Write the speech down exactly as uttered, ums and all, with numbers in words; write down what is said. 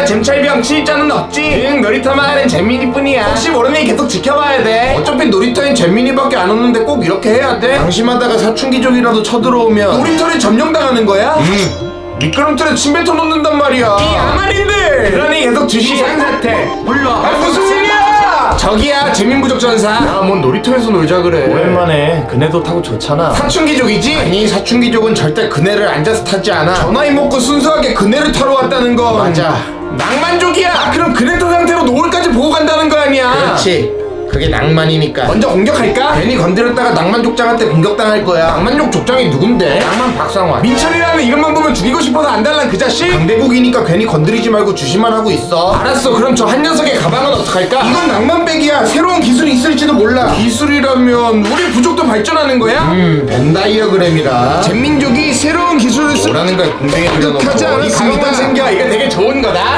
잼철병 치자는 없지. 응, 놀이터 마을엔 잼민이뿐이야. 혹시 모르니 계속 지켜봐야 돼. 어차피 놀이터엔 잼민이밖에 안 오는데 꼭 이렇게 해야 돼? 방심하다가 사춘기족이라도 쳐들어오면 놀이터를 점령당하는 거야? 응. 미끄럼틀에 침 뱉어 놓는단 말이야. 이 아마린들! 그러니 계속 주시 상사태 불러. 아, 무슨 일이야! 저기야 재민부족전사. 야, 뭔 놀이터에서 놀자 그래. 오랜만에 그네도 타고 좋잖아. 사춘기족이지? 아니, 사춘기족은 절대 그네를 앉아서 타지 않아. 전화이 먹고 순수하게 그네를 타러 왔다는 건 맞아. 낭만족이야. 아, 그럼 그네 탄 상태로 노을까지 보고 간다는 거 아니야? 그렇지. 그게 낭만이니까. 먼저 공격할까? 괜히 건드렸다가 낭만족장한테 공격당할 거야. 낭만족 족장이 누군데? 낭만 박상환. 민철이라는 이름만 보면 죽이고 싶어서 안 달란 그 자식? 강대국이니까 괜히 건드리지 말고 주시만 하고 있어. 알았어. 그럼 저 한 녀석의 가방은 어떡할까? 이건 낭만백이야. 새로운 기술이 있을지도 몰라. 기술이라면 우리 부족도 발전하는 거야? 음, 벤다이어그램이라. 잼민족이 새로운 기술을 쓰... 뭐라는 걸 공중에 하지 들여놓고 않았습니다. 이 가방만 생겨. 이거 되게 좋은 거다.